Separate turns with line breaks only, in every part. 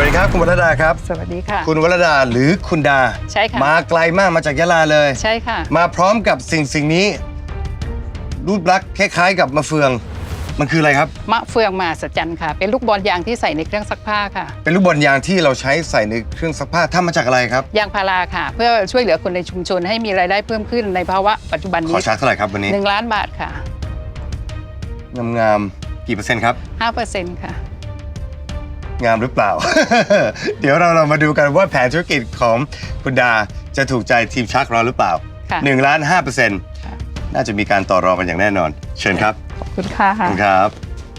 ดีครับคุณวรดาครับ
สวัสดีค่ะ
คุณวรดาหรือคุณดา
ใช่ค่ะ
มาไกลมากมาจากยะลาเลย
ใช่ค่ะ
มาพร้อมกับสิ่งนี้รูปลักษณ์คล้ายๆกับมะเฟืองมันคืออะไรครับ
มะเฟืองมหัศจรรย์ค่ะเป็นลูกบอลยางที่ใส่ในเครื่องซักผ้าค่ะ
เป็นลูกบอลยางที่เราใช้ใส่ในเครื่องซักผ้าทำมาจากอะไรครับ
ยางพาราค่ะเพื่อช่วยเหลือคนในชุมชนให้มีรายได้เพิ่มขึ้นในภาวะปัจจุบัน
ข
นี้
อชาร์จเท่าไหร่ครับวันนี้
1 ล้านบาทค่ะ
งามๆกี่เปอร์เซ็นต์ครับ
5%ค่ะ
งามหรือเปล่า เดี๋ยวเรามาดูกันว่าแผนธุรกิจของคุณดาจะถูกใจทีมชักเราหรือเปล่า1.5%น่าจะมีการต่อรองกันอย่างแน่นอนเชิญครับ
ขอบคุณค่ะ
ขอบคุณครับ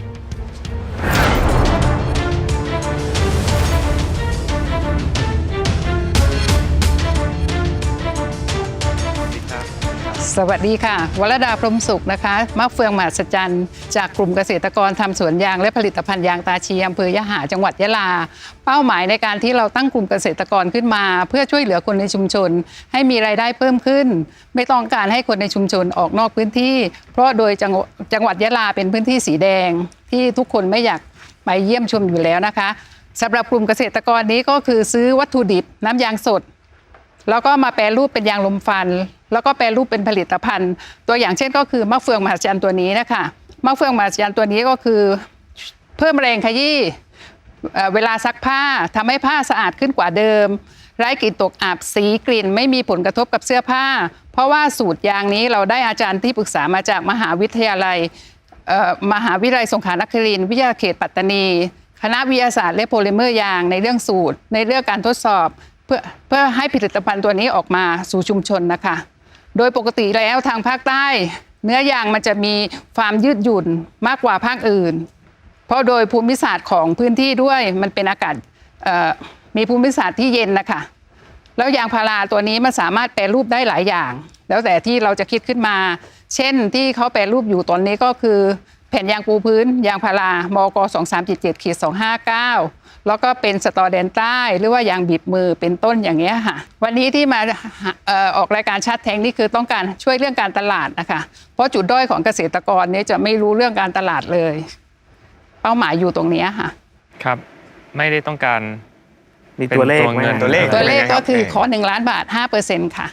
สวัสดีค่ะวรดาพรหมสุขนะคะมะเฟืองมหัศจรรย์จากกลุ่มเกษตรกรทำสวนยางและผลิตภัณฑ์ยางตาชีอำเภอยะหาจังหวัดยะลาเป้าหมายในการที่เราตั้งกลุ่มเกษตรกรขึ้นมาเพื่อช่วยเหลือคนในชุมชนให้มีรายได้เพิ่มขึ้นไม่ต้องการให้คนในชุมชนออกนอกพื้นที่เพราะโดยจังหวัดยะลาเป็นพื้นที่สีแดงที่ทุกคนไม่อยากไปเยี่ยมชมอยู่แล้วนะคะสำหรับกลุ่มเกษตรกรนี้ก็คือซื้อวัตถุดิบน้ำยางสดแล้วก็มาแปรรูปเป็นยางลมฟันแล้วก็แปรรูปเป็นผลิตภัณฑ์ตัวอย่างเช่นก็คือมะเฟืองมหัศจรรย์ตัวนี้นะคะมะเฟืองมหัศจรรย์ตัวนี้ก็คือเพิ่มแรงขยี้เวลาซักผ้าทำให้ผ้าสะอาดขึ้นกว่าเดิมไร้กลิ่นตกอับสีกลิ่นไม่มีผลกระทบกับเสื้อผ้าเพราะว่าสูตรยางนี้เราได้อาจารย์ที่ปรึกษามาจากมหาวิทยาลัยสงขลานครินทร์วิทยาเขตปัตตานีคณะวิทยาศาสตร์และโพลิเมอร์ยางในเรื่องสูตรในเรื่องการทดสอบเพื่อให้ผลิตภัณฑ์ตัวนี้ออกมาสู่ชุมชนนะคะโดยปกติแล้วทางภาคใต้เนื้อยางมันจะมีความยืดหยุ่นมากกว่าภาคอื่นเพราะโดยภูมิศาสตร์ของพื้นที่ด้วยมันเป็นอากาศมีภูมิศาสตร์ที่เย็นนะคะแล้วยางพาราตัวนี้มันสามารถแปรรูปได้หลายอย่างแล้วแต่ที่เราจะคิดขึ้นมาเช่นที่เขาแปรรูปอยู่ตอนนี้ก็คือแผ่นยางปูพื้นยางพารามก2377-259แล้วก็เป็นสตอแดนใต้หรือว่ายางบีบมือเป็นต้นอย่างเงี้ยค่ะวันนี้ที่มาออกรายการชัดแทงนี่คือต้องการช่วยเรื่องการตลาดนะคะเพราะจุดด้อยของเกษตรกรเนี่ยจะไม่รู้เรื่องการตลาดเลยเป้าหมายอยู่ตรงนี้ค่ะ
ครับไม่ได้ต้องการ
มีตัวเลข
เงิน
ตัวเลข
ก็คือขอ1 ล้านบาท 5% ค่ะ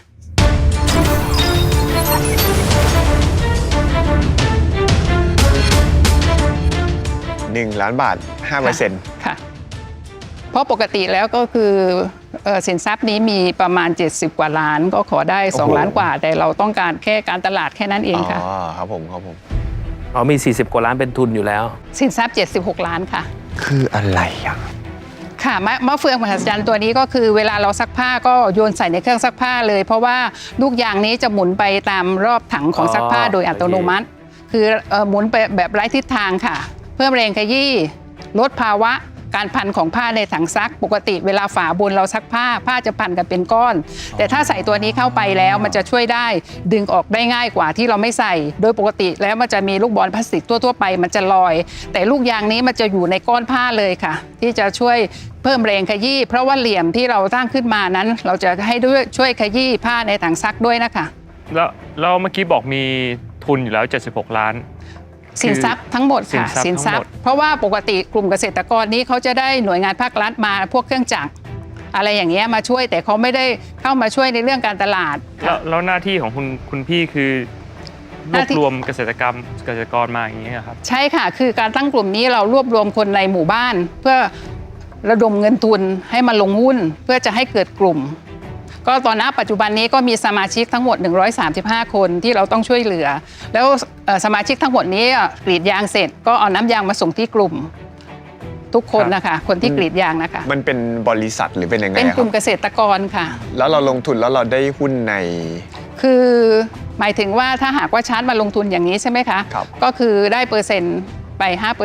1 ล้านบาท 5%
ค่ะเพราะปกติแล้วก็คือสินทรัพย์นี้มีประมาณ70 กว่าล้านก็ขอได้2 ล้านกว่าแต่เราต้องการแค่การตลาดแค่นั้นเองค่ะ
อ๋อครับผม
มี40 กว่าล้านเป็นทุนอยู่แล้ว
สินทรัพย์76 ล้านค่ะ
คืออะไรอ่ะ
ค่ะมะเฟืองมหัศจรรย์ตัวนี้ก็คือเวลาเราซักผ้าก็โยนใส่ในเครื่องซักผ้าเลยเพราะว่าลูกยางนี้จะหมุนไปตามรอบถังของซักผ้าโดยอัตโนมัติคือหมุนไปแบบไร้ทิศทางค่ะเพิ่มแรงขยี้ลดภาวะการพันของผ้าในถังซักปกติเวลาฝาบนเราซักผ้าจะพันกันเป็นก้อนแต่ถ้าใส่ตัวนี้เข้าไปแล้วมันจะช่วยได้ดึงออกได้ง่ายกว่าที่เราไม่ใส่โดยปกติแล้วมันจะมีลูกบอลพลาสติกทั่วไปมันจะลอยแต่ลูกยางนี้มันจะอยู่ในก้อนผ้าเลยค่ะที่จะช่วยเพิ่มแรงขยี้เพราะว่าเหลี่ยมที่เราตั้งขึ้นมานั้นเราจะให้ด้วยช่วยขยี้ผ้าในถังซักด้วยนะคะ
แล้วเมื่อกี้บอกมีทุนอยู่แล้ว76 ล้าน
สินทรัพย์ทั้งหมดค่ะสินทรัพย์เพราะว่าปกติกลุ่มเกษตรกรนี้เขาจะได้หน่วยงานภาครัฐมาพวกเครื่องจักรอะไรอย่างเงี้ยมาช่วยแต่เขาไม่ได้เข้ามาช่วยในเรื่องการตลาด
แล้วหน้าที่ของคุณพี่คือรวบรวมเกษตรกรมาอย่างเงี้ยครับ
ใช่ค่ะคือการตั้งกลุ่มนี้เรารวบรวมคนในหมู่บ้านเพื่อระดมเงินทุนให้มาลงหุ้นเพื่อจะให้เกิดกลุ่มก็ตอนนี้ปัจจุบันนี้ก็มีสมาชิกทั้งหมด135 คนที่เราต้องช่วยเหลือแล้วสมาชิกทั้งหมดนี้กรีดยางเสร็จก็เอาน้ำยางมาส่งที่กลุ่มทุกคนนะคะคนที่กรีดยางนะคะ
มันเป็นบริษัทหรือเป็นยังไง
เป็นกลุ่มเกษตรกรค่ะ
แล้วเราลงทุนแล้วเราได้หุ้นใน
คือหมายถึงว่าถ้าหากว่าชาร์จมาลงทุนอย่างนี้ใช่ไหมคะก็คือได้เปอร์เซ็นต์ไป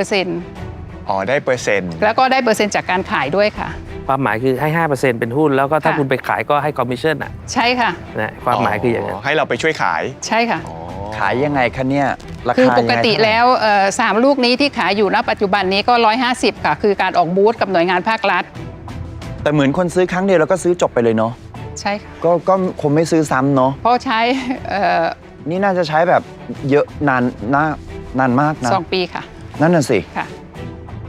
5%
อ๋อได้เปอร์เซ็นต์
แล้วก็ได้เปอร์เซ็นต์จากการขายด้วยค่ะ
ความหมายคือให้ 5% เป็นหุ้นแล้วก็ถ้าคุณไปขายก็ให้คอมมิชชั่นอ่ะ
ใช่ค่ะ
นะความหมายคืออย่างนั้น
ให้เราไปช่วยขาย
ใช่ค่ะ
ขายยังไงคะเนี่ยราคา
คือปกติแล้ว3 ลูกนี้ที่ขายอยู่ณปัจจุบันนี้ก็150ค่ะคือการออกบูธกับหน่วยงานภาครัฐ
แต่เหมือนคนซื้อครั้งเดียวแล้วก็ซื้อจบไปเลยเนาะ
ใช่ค่ะ
ก็คงไม่ซื้อซ้ำเนาะ
เพราะใช้
นี่น่าจะใช้แบบเยอะนานมากนะ
2 ปีค่ะ
นั่นน่ะสิ
ค่ะ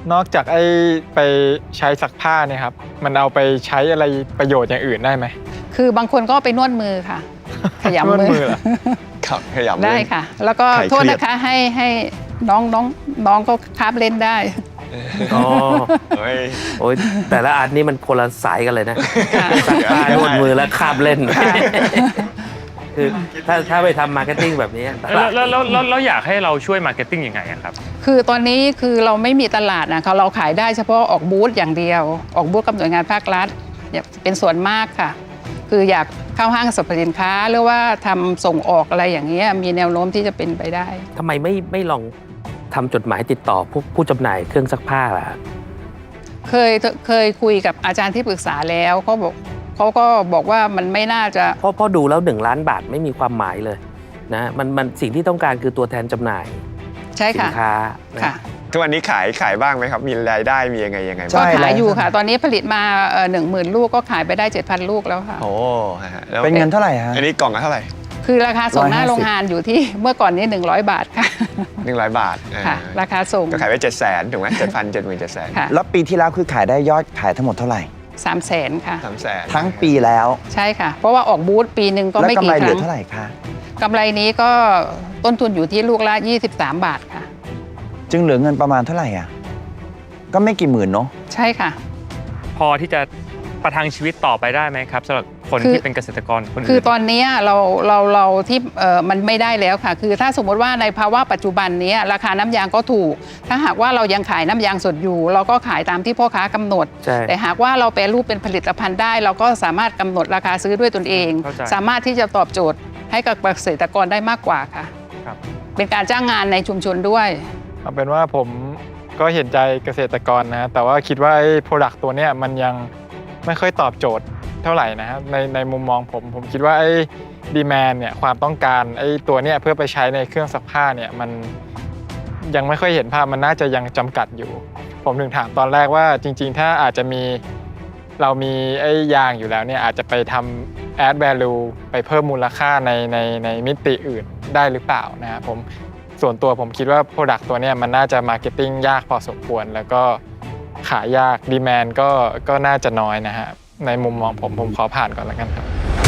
นอกจากไปใช้ซักผ้าเนี่ยครับมันเอาไปใช้อะไรประโยชน์อย่างอื่นได้ไหม
คือบางคนก็ไปนวดมือค่ะ ขยำ
นวด
มื
มือเหรอ
ครับขยับ
ได้
เล่น
ค่ะ แล้วก็
ใครเครียด
โทษนะคะให้น้องก็คาบเล่นได้
อ๋อ
เฮ้ย
โอ้ยแต่ละอันนี้มันคนละสายกันเลยนะ
ค่ะ
ซักผ้านวดมือแล้วคาบเล่น คือถ้าไปทำมาร์เก็ตติ้งแบบนี้ต
แล้
ลาว ด
แล้วอยากให้เราช่วยมาร์เก็ตติ้งยังไงอะครับ
คือตอนนี้คือเราไม่มีตลาดนะคะเราขายได้เฉพาะออกบูธอย่างเดียว ออกบูธกับหน่วยงานภาครัฐเป็นส่วนมากค่ะ คืออยากเข้าห้างสรรพสินค้าหรือว่าทำส่งออกอะไรอย่างเงี้ยมีแนวโน้มที่จะเป็นไปได้
ทำไมไม่ลองทำจดหมายติดต่อผู้จำหน่ายเครื่องซักผ้าล่ะ
เคยคุยกับอาจารย์ที่ปรึกษาแล้วเขาก็บอกว่ามันไม่น่าจะ
เพราะดูแล้ว1 ล้านบาทไม่มีความหมายเลยนะมันสิ่งที่ต้องการคือตัวแทนจำหน่าย
ใช่
สิ
ค่ะ
นค้านะ
ค่ะ
ทุกวันนี้ขายบ้างไหมครับ มีรายได้มียังไง
ใช่
ก็
บ้าง
ขายอยู่ค่ะ ตอนนี้ผลิตมา10,000 ลูกก็ขายไปได้ 7,000 ลูกแล้วค่ะ
โอ้ฮะแล้ว
เป็นเงินเท่าไหร่ฮะ
อันนี้กล่องละเท่าไหร่
คือราคาส่งหน้า
150
โรงงานอยู่ที่เมื่อก่อนนี้100 บาทค่ะ
100 บาท
ค่ะ ราคาส่ง
ก็ขายไป700,000ถูกไหม7,000
ค่ะ
แล้วปีที่แล้วคือขายได้ยอดขายทั้งหมดเท่าไหร่
300,000 ค่ะ
300,000
ทั้งปีแล้ว
ใช่ค่ะ เพราะว่าออกบูธปีหนึ่งก็
แล้ว
ไม่
กำ
กี่
ไร
ค
เหลื
รั้
อง เท่าไหร่คะ
กำไรนี้ก็ต้นทุนอยู่ที่ลูกละ23 บาทค่ะ
จึงเหลือเงินประมาณเท่าไหร่อ่ะก็ไม่กี่หมื่นเนาะ
ใช่ค่ะ
พอที่จะประทังชีวิตต่อไปได้ไหมครับสำหรับคน
คือ
ที่เป็นเกษตรกรคนอื่น
คือตอนนี้เราที่มันไม่ได้แล้วค่ะ คือถ้าสมมติว่าในภาวะปัจจุบันนี้ราคาน้ำยางก็ถูก ถ้าหากว่าเรายังขายน้ำยางสดอยู่ เราก็ขายตามที่พ่อค้ากำหนด
ใช่
แต่หากว่าเราแปรรูปเป็นผลิตภัณฑ์ได้ เราก็สามารถกำหนดราคาซื้อด้วยตนเอง
เข้าใจ
สามารถที่จะตอบโจทย์ให้กับเกษตรกรได้มากกว่าค่ะ
ครับ
เป็นการจ้างงานในชุมชนด้วย
เอาเป็นว่าผมก็เห็นใจเกษตรกรนะแต่ว่าคิดว่าไอ้โปรดักต์ตัวเนี้ยมันยังไม่ค่อยตอบโจทย์เท่าไหร่นะครับในมุมมองผมคิดว่าไอ้ดีแมนเนี่ยความต้องการไอ้ตัวเนี้ยเพื่อไปใช้ในเครื่องซักผ้าเนี่ยมันยังไม่ค่อยเห็นภาพมันน่าจะยังจำกัดอยู่ ผมถึงถามตอนแรกว่าจริงๆ ถ้าอาจจะมีเรามีไอ้ยางอยู่แล้วเนี่ยอาจจะไปทำ add value ไปเพิ่มมูลค่าในมิติอื่นได้หรือเปล่านะครับส่วนตัวผมคิดว่า Product ตัวเนี้ยมันน่าจะ Marketing ยากพอสมควร แล้วก็ขายยาก Demand ก็น่าจะน้อยนะฮะในมุมมองผมขอผ่านก่อนแล้วกันครับ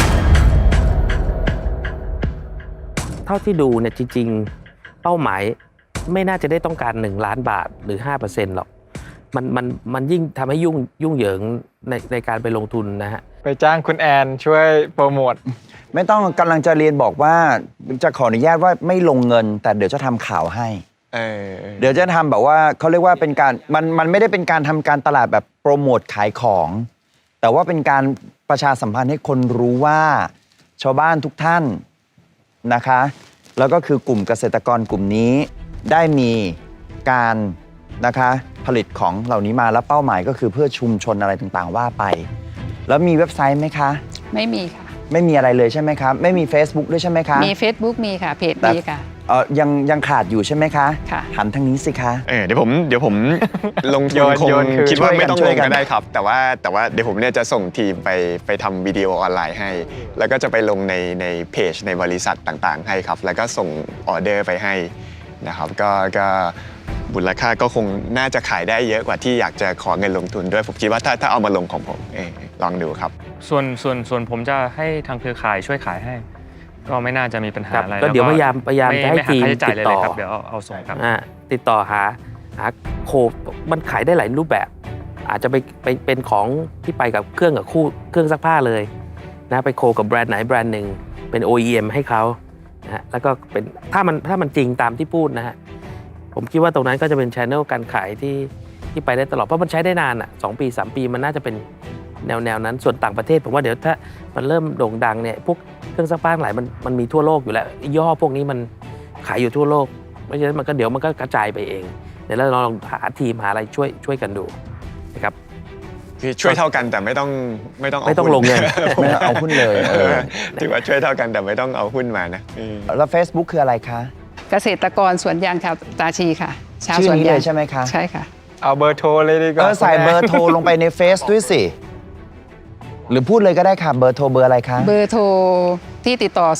เท่าที่ดูเนี่ยจริงๆเป้าหมายไม่น่าจะได้ต้องการ1 ล้านบาทหรือ 5% หรอกมันยิ่งทำให้ยุ่งเหยิงในการไปลงทุนนะฮะ
ไปจ้างคุณแอนช่วยโปรโมท
ไม่ต้องกำลังจะเรียนบอกว่าจะขออนุญาตว่าไม่ลงเงิน แต่เดี๋ยวจะทำข่าวให้ เดี๋ยวจะทำแบบว่าเขาเรียกว่าเป็นการมันไม่ได้เป็นการทำการตลาดแบบโปรโมทขายของ แต่ว่าเป็นการประชาสัมพันธ์ให้คนรู้ว่าชาวบ้านทุกท่านนะคะ แล้วก็คือกลุ่มเกษตรกรกลุ่มนี้ได้มีการนะคะผลิตของเหล่านี้มาแล้วเป้าหมายก็คือเพื่อชุมชนอะไรต่างๆว่าไป แล้วมีเว็บไซต์ไหมคะ
ไม่มีค่ะ
ไม่มีอะไรเลยใช่ไหมครับไม่มี Facebook ด้วยใช่ไหมคะ
มี Facebook มีค่ะ เพจมีค่ะ
ยังขาดอยู่ใช่ไหมคะ
ค่ะ
หันทางนี้สิคะ
เดี๋ยวผมลงทุนคง
โยนคือ
คิดว่าไม่ต้อง
ช่
ล
วย
ง
กัน
ก็ได้ครับ แต่ว่าเดี๋ยวผมเนี่ยจะส่งทีมไปทำวิดีโอออนไลน์ให้ แล้วก็จะไปลงในเพจในบริษัทต่างๆ ให้ครับ แล้วก็ส่งออเดอร์ไปให้นะครับก็มูลค่าก็คงน่าจะขายได้เยอะกว่าที่อยากจะขอเงินลงทุนด้วยผมคิดว่าถ้าเอามาลงของผมลองดูครับ
ส่วนผมจะให้ทางเครือข่ายช่วยขายให้ ก็ไม่น่าจะมีปัญหา
ครับ
อะไร
ก็เดี๋ยว
แล้
พยายามจะให้
ไม่
ทีม
ค่าใช้จ่ายเลย
ติดต่อ
ครับเดี๋ยวเอาส่งครับ
ติดต่อหาโคมันขายได้หลายรูปแบบ อาจจะไปเป็นของที่ไปกับเครื่องซักผ้าเลยนะไปโคกับแบรนด์ไหนแบรนด์หนึ่งเป็น OEM ให้เขานะฮะแล้วก็เป็นถ้ามันจริงตามที่พูดนะฮะผมคิดว่าตรงนั้นก็จะเป็น channel การขายที่ไปได้ตลอดเพราะมันใช้ได้นานอ่ะ2 ปี 3 ปีมันน่าจะเป็นแนวนั้นส่วนต่างประเทศผมว่าเดี๋ยวถ้ามันเริ่มโด่งดังเนี่ยพวกเครื่องซักผ้าหลายมันมีทั่วโลกอยู่แล้วย่ห้อพวกนี้มันขายอยู่ทั่วโลกเพราะฉะนั้นเดี๋ยวมันก็กระจายไปเองเดี๋ยวเราลองหาทีมหาอะไรช่วยกันดูนะครับ
คือช่วยเท่ากันแต่ไม่ต้อง
ไม่ต้องลงเงิน
ไม่ต้องเอาหุ้นเลย
ถือว่าช่วยเท่ากันแต่ไม่ต้องเอาหุ้นมานะ
แล้ว Facebook คืออะไรคะ
เกษตรกรสวนยางชาวตาชีค่ะ ชาว
ชื่
ส
อ
วน
นี้
ยา
เล
ง
ยใช่ไหมคะ
ใช่ค่ะ
เอาเบอร์โทรเลยดีกว่า
ใส่เบอร์โทรลงไปในเฟซด้วยสิ หรือพูดเลยก็ได้ค่ะ เบอร์โทรเบอร์อะไรคะ
เบอร์โทรที่ติดต่อ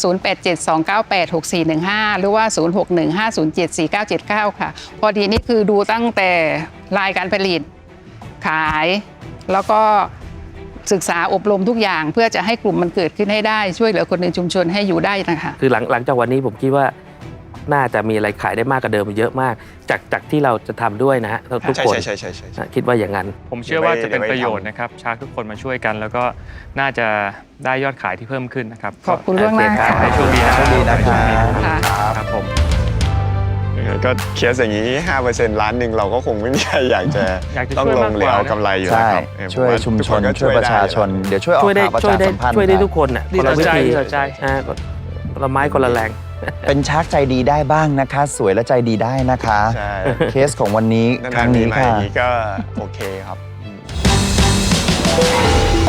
0872986415 หรือว่า 0615074979 ค่ะ พอดีนี่คือดูตั้งแต่ลายการผลิตขายแล้วก็ศึกษาอบรมทุกอย่างเพื่อจะให้กลุ่มมันเกิดขึ้นให้ได้ช่วยเหลือคนในชุมชนให้อยู่ได้นะคะ
คือหลังจากวันนี้ผมคิดว่าน่าจะมีอะไรขายได้มากกว่าเดิมเยอะมาก จากที่เราจะทำด้วยนะฮะทุกคน
ใช่
คิดว่าอย่างนั้น
ผมเชื่อว่าจะเป็น
เดี๋ยวไว้
ประโยชน์นะครับชาร์กทุกคนมาช่วยกัน แล้วก็น่าจะได้ยอดขายที่เพิ่มขึ้นนะครับ
ขอบคุณล่วงหน้า
ขอ
ค่ะ
ให้โชคดีนะ
โชคดีนะครับ
ค่ะ
ครับผม
ก็เคสอย่างนี้ 5%ล้านหนึ่งเราก็คงไม่มีใครอยากจะ
อยากจะ
ต้อง
ช่วย
ล
มาก
ง
ก
หรือ
ว่า
เอา
นะ
กำไรอยู่
ใช่
แล้วครับ
ช่วยชุมชน
ทุกคก็
ช่วยประชาชน
ได้
เดี๋ยวช่วยออก
ช่วยได้
ข่าวประ
ช่วย
ชา
ได้
สัมพันธ์
ช่วยได้
กัน
ทุกคนอ่ะ
ดี
คน
ต่
ละ
อ
วิ
ใจ
ธี
ดีต่อใจ
คนละไม้คนละแรง
เป็นชักใจดีได้บ้างนะคะ สวยและใจดีได้นะคะ
ใช่
เคสของวันนี้ครั้งนี้
นานๆมีมาอ
ค่ะ
ย่างนี้ก็โอเคครับ